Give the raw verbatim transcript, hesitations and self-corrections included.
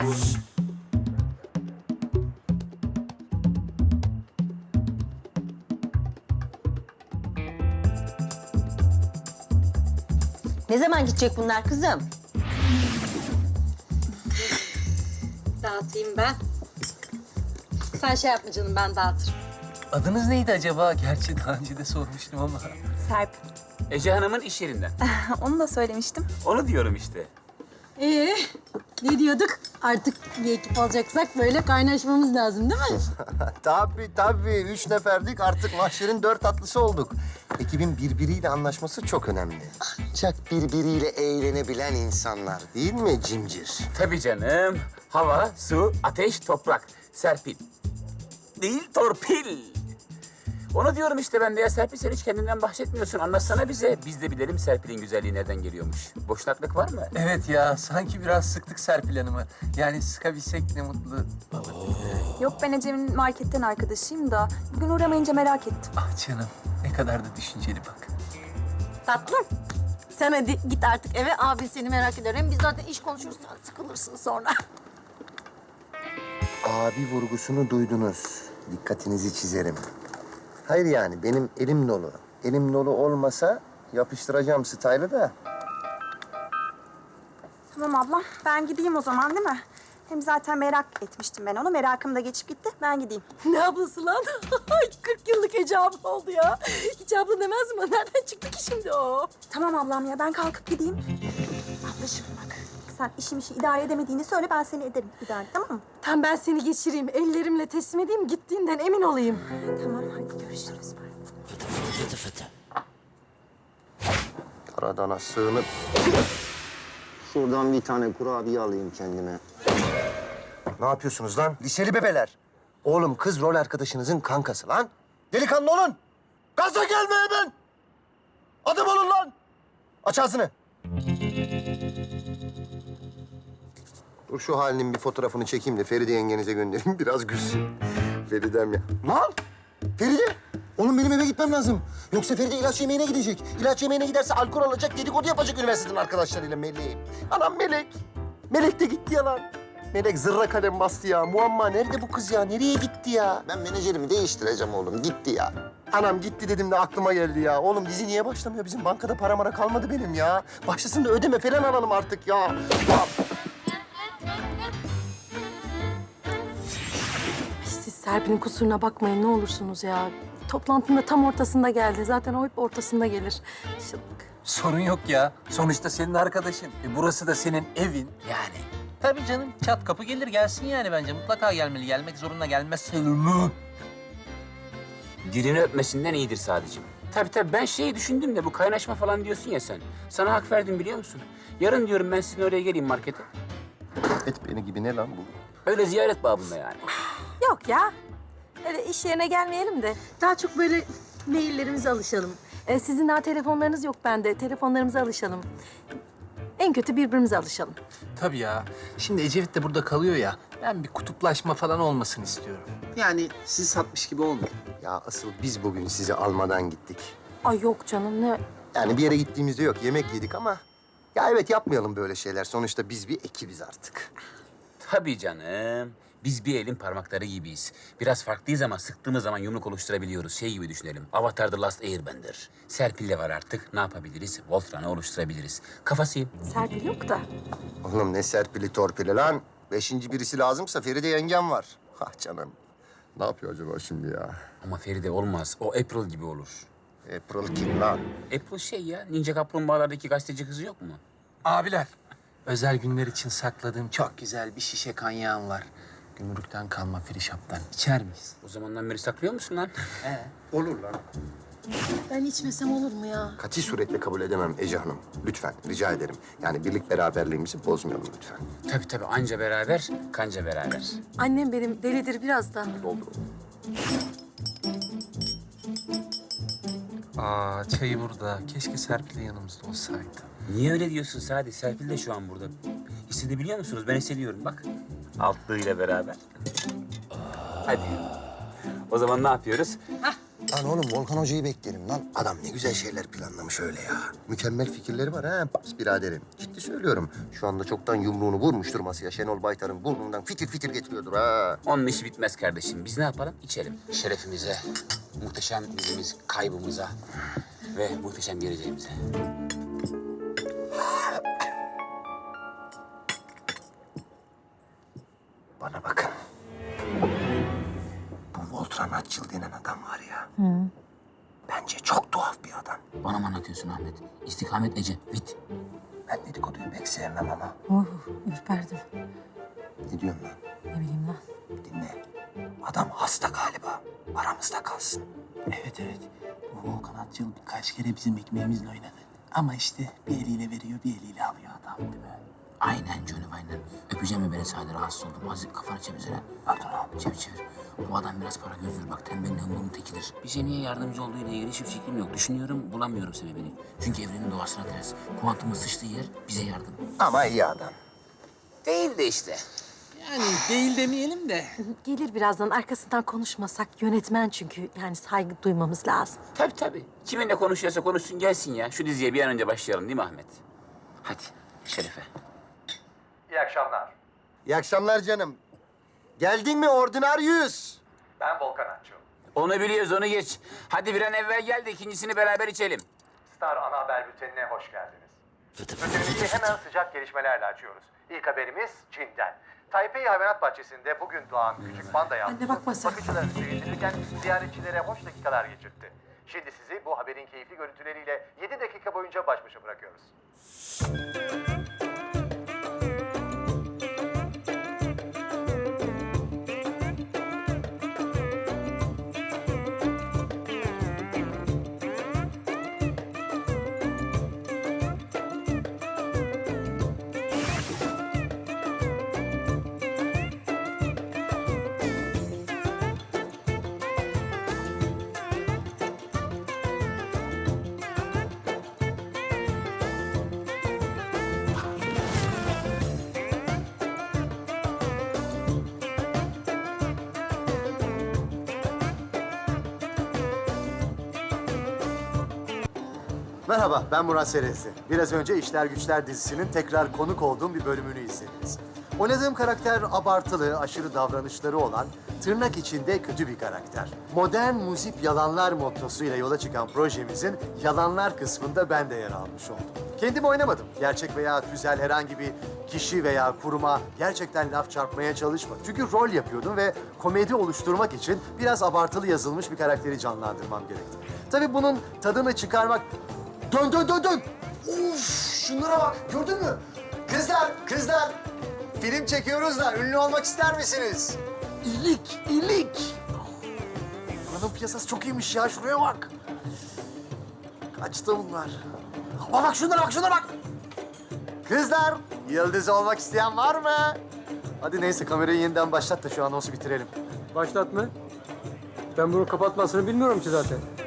Ne zaman gidecek bunlar kızım? Dağıtayım ben. Sen şey yapma canım, ben dağıtırım. Adınız neydi acaba? Gerçi daha önce de sormuştum ama. Serp. Ece Hanım'ın iş yerinden. Onu da söylemiştim. Onu diyorum işte. Ee, ne diyorduk? Artık bir ekip alacaksak böyle kaynaşmamız lazım değil mi? Tabii tabii. Üç neferdik artık mahşerin dört atlısı olduk. Ekibin birbiriyle anlaşması çok önemli. Ancak birbiriyle eğlenebilen insanlar değil mi Cimcir? Tabii canım. Hava, su, ateş, toprak. Serpil. Değil, torpil. Onu diyorum işte ben de ya. Serpil, sen hiç kendinden bahsetmiyorsun. Anlatsana bize. Biz de bilelim Serpil'in güzelliği nereden geliyormuş. Boşnaklık var mı? Evet ya, sanki biraz sıktık Serpil Hanım'ı. Yani sıkabilsek ne mutlu bana. Yok, ben Ecem'in marketten arkadaşıyım da bugün uğramayınca merak ettim. Ah canım, ne kadar da düşünceli bak. Tatlım. Sen hadi git artık eve. Abin seni merak eder. Hem biz zaten iş konuşuruz. Sıkılırsın sonra. Abi vurgusunu duydunuz. Dikkatinizi çizerim. Hayır yani benim elim dolu. Elim dolu olmasa yapıştıracağım style'ı da. Tamam ablam, ben gideyim o zaman değil mi? Hem zaten merak etmiştim ben onu. Merakım da geçip gitti. Ben gideyim. Ne ablası lan? kırk yıllık Ece abla oldu ya. Hiç abla demez mi? Nereden çıktı ki şimdi o? Tamam ablam ya, ben kalkıp gideyim. Ablacığım bak, sen işim işi idare edemediğini söyle, ben seni ederim idare, tamam mı? Tam ben seni geçireyim. Ellerimle teslim edeyim. Gittiğinden emin olayım. Tamam, hadi görüşürüz. Karadana sığınıp şuradan bir tane kurabiye alayım kendime. Ne yapıyorsunuz lan? Liseli bebeler. Oğlum kız rol arkadaşınızın kankası lan. Delikanlı olun. Gaza gelme hemen. Adım olun lan. Aç ağzını. Dur şu halinin bir fotoğrafını çekeyim de Feride yengenize göndereyim. Biraz gülsün. Feridem ya. Lan! Feride! Oğlum benim eve gitmem lazım. Yoksa Feride ilaç yemeğine gidecek. İlaç yemeğine giderse alkol alacak, dedikodu yapacak üniversiteden arkadaşlarıyla Melek. Anam Melek. Melek de gitti ya lan. Melek zırra kalem bastı ya. Muamma nerede bu kız ya? Nereye gitti ya? Ben menajerimi değiştireceğim oğlum. Gitti ya. Anam gitti dedim de aklıma geldi ya. Oğlum dizi niye başlamıyor? Bizim bankada para mara kalmadı benim ya. Başlasın da ödeme falan alalım artık ya. Ya. Siz Serpil'in kusuruna bakmayın ne olursunuz ya. Toplantının da tam ortasında geldi. Zaten o hep ortasında gelir. Şıllık. Sorun yok ya. Sonuçta senin arkadaşın. E, burası da senin evin yani. Tabii canım, çat kapı gelir gelsin yani bence. Mutlaka gelmeli. Gelmek zorunda, gelmezse ölümü. Dilini öpmesinden iyidir sadece. Tabii tabii ben şeyi düşündüm de bu kaynaşma falan diyorsun ya sen. Sana hak verdim biliyor musun? Yarın diyorum ben sizin oraya geleyim markete. Et beni gibi ne lan bu? Öyle ziyaret babında yani. Yok ya. Öyle iş yerine gelmeyelim de. Daha çok böyle maillerimize alışalım. Ee, sizin daha telefonlarınız yok bende. Telefonlarımıza alışalım. En kötü birbirimize alışalım. Tabii ya. Şimdi Ecevit de burada kalıyor ya. Ben bir kutuplaşma falan olmasını istiyorum. Yani sizi satmış gibi olmayın. Ya asıl biz bugün sizi almadan gittik. Ay yok canım, ne? Yani bir yere gittiğimizde yok, yemek yedik ama... Ya evet yapmayalım böyle şeyler. Sonuçta biz bir ekibiz artık. Tabii canım. Biz bir elin parmakları gibiyiz. Biraz farklıyız ama sıktığımız zaman yumruk oluşturabiliyoruz. Şey gibi düşünelim. Avatar The Last Airbender. Serpil de var artık. Ne yapabiliriz? Voltran'ı oluşturabiliriz. Kafasıyım. Serpil yok da. Oğlum ne serpili torpili lan. Beşinci birisi lazımsa Feride yengem var. Ah canım. Ne yapıyor acaba şimdi ya? Ama Feride olmaz. O April gibi olur. April kim lan? April şey ya, Ninja Kaplumbağalardaki gazeteci kızı yok mu? Abiler, özel günler için sakladığım çok güzel bir şişe kanyağım var. Gümrükten kalma frişaptan. İçer miyiz? O zamandan beri saklıyor musun lan? Olur lan. Ben içmesem olur mu ya? Kati suretle kabul edemem Ece Hanım. Lütfen, rica ederim. Yani birlik beraberliğimizi bozmayalım lütfen. Tabii tabii, anca beraber, kanca beraber. Annem benim delidir biraz da. Doldur. Aa, çayı burada. Keşke Serpil de yanımızda olsaydı. Niye öyle diyorsun Sadi? Serpil de şu an burada. Hissedebiliyor musunuz? Ben hissediyorum bak. Altlığıyla beraber. Hadi. O zaman ne yapıyoruz? Lan oğlum Volkan Hoca'yı beklerim lan. Adam ne güzel şeyler planlamış öyle ya. Mükemmel fikirleri var ha pas biraderim. Ciddi söylüyorum. Şu anda çoktan yumruğunu vurmuştur masaya. Şenol Baytar'ın burnundan fitil fitil getiriyordur ha. Onun işi bitmez kardeşim. Biz ne yapalım? İçelim. Şerefimize, muhteşem yüzümüz kaybımıza ve muhteşem geleceğimize. Bana bakın. Bu Voltran Atçıl denen adam var ya. Bence çok tuhaf bir adam. Bana mı anlatıyorsun Ahmet? İstikamet Ece, vit. Ben dedikoduyu pek sevmem ama. Oh, ürperdim. Ne diyorsun lan? Ne bileyim lan. Dinle. Adam hasta galiba. Aramızda kalsın. Evet evet. Bu Volkan Atçıl birkaç kere bizim ekmeğimizle oynadı. Ama işte bir eliyle veriyor, bir eliyle alıyor adam değil mi? Aynen canım aynen. Öpeceğim mi beni Sadi, rahatsız oldum. Azıcık kafanı çevirsene. Pardon abi. Çevir çevir. Bu adam biraz para gözdür bak, tembelin hımbılın tekidir. Bize niye yardımcı olduğu ile ilgili hiçbir fikrim yok. Düşünüyorum, bulamıyorum sebebini. Çünkü evrenin doğasına ters. Kuantumun sıçtığı yer bize yardım. Ama iyi adam. Değil de işte. Yani değil demeyelim de. Gelir birazdan, arkasından konuşmasak. Yönetmen çünkü, yani saygı duymamız lazım. Tabii tabii. Kiminle konuşuyorsa konuşsun gelsin ya. Şu diziye bir an önce başlayalım değil mi Ahmet? Hadi Şerefe. İyi akşamlar. İyi akşamlar canım. Geldin mi Ordinaryüz? Ben Volkan Akçıl. Onu biliyoruz, onu geç. Hadi bir an evvel gel de ikincisini beraber içelim. Star Ana Haber Bülteni'ne hoş geldiniz. Bültenimizi hemen sıcak gelişmelerle açıyoruz. İlk haberimiz Çin'den. Taipei Hayvanat Bahçesi'nde bugün doğan küçük panda yavrusu bakma sen. bakıcıları sevindirirken ziyaretçilere hoş dakikalar geçirtti. Şimdi sizi bu haberin keyifli görüntüleriyle yedi dakika boyunca baş başa bırakıyoruz. Merhaba, ben Murat Serezli. Biraz önce İşler Güçler dizisinin tekrar konuk olduğum bir bölümünü izlediniz. Oynadığım karakter abartılı, aşırı davranışları olan, tırnak içinde kötü bir karakter. Modern muzip yalanlar mottosuyla yola çıkan projemizin yalanlar kısmında ben de yer almış oldum. Kendim oynamadım. Gerçek veya tüzel herhangi bir kişi veya kuruma gerçekten laf çarpmaya çalışmadım. Çünkü rol yapıyordum ve komedi oluşturmak için biraz abartılı yazılmış bir karakteri canlandırmam gerekti. Tabii bunun tadını çıkarmak... Dön dön dön dön! Uf, şunlara bak, gördün mü? Kızlar, kızlar! Film çekiyoruz da ünlü olmak ister misiniz? İlik, ilik! Buranın piyasası çok iyiymiş ya, şuraya bak! Kaçtı bunlar? Aa, bak şunlara bak, şunlara bak! Kızlar, yıldız olmak isteyen var mı? Hadi neyse, kamerayı yeniden başlat da şu anonsu bitirelim. Başlat mı? Ben bunu kapatmasını bilmiyorum ki zaten.